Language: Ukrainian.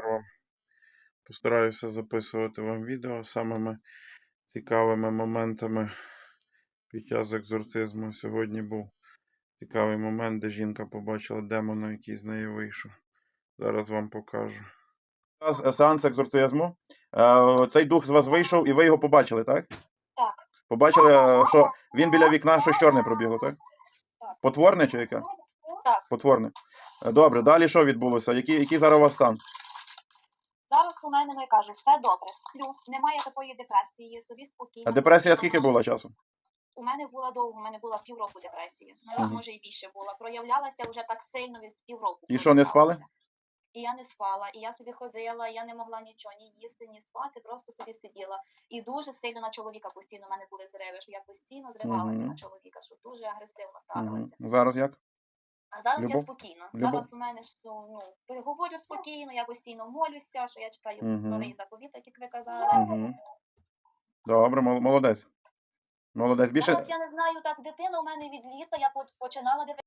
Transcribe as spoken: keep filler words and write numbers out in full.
тепер вам постараюся записувати вам відео самими цікавими моментами під час екзорцизму. Сьогодні був цікавий момент, де жінка побачила демона, який з неї вийшов. Зараз вам покажу. Сеанс екзорцизму. Цей дух з вас вийшов і ви його побачили, так? Так. Побачили, що він біля вікна щось чорне пробігло, так? Так. Потворне чи яке? Так. Потворне. Добре, далі що відбулося? Який, який зараз у вас стан? Зараз у мене, ну, я кажу, все добре, сплю, немає такої депресії, собі спокійно. А депресія скільки була часу? У мене була довго, у мене була півроку депресії. Ну, Мгм. може і більше була. Проявлялася вже так сильно від півроку. І що, не спали? І я не спала, і я собі ходила, я не могла нічого, ні їсти, ні спати, просто собі сиділа. І дуже сильно на чоловіка постійно в мене були зриви, що я постійно зривалася Мгм. на чоловіка, що дуже агресивно Мгм. ставилася. Зараз як? А зараз Любов? я спокійно. Любов? Зараз у мене ж, ну, говорю спокійно, я постійно молюся, що я читаю Мгм. новий заповіт, як ви казали. Угу. Добре, мол- молодець. Молодець. Більше... Зараз я не знаю, так, дитина у мене від літа, я по- починала дивитися.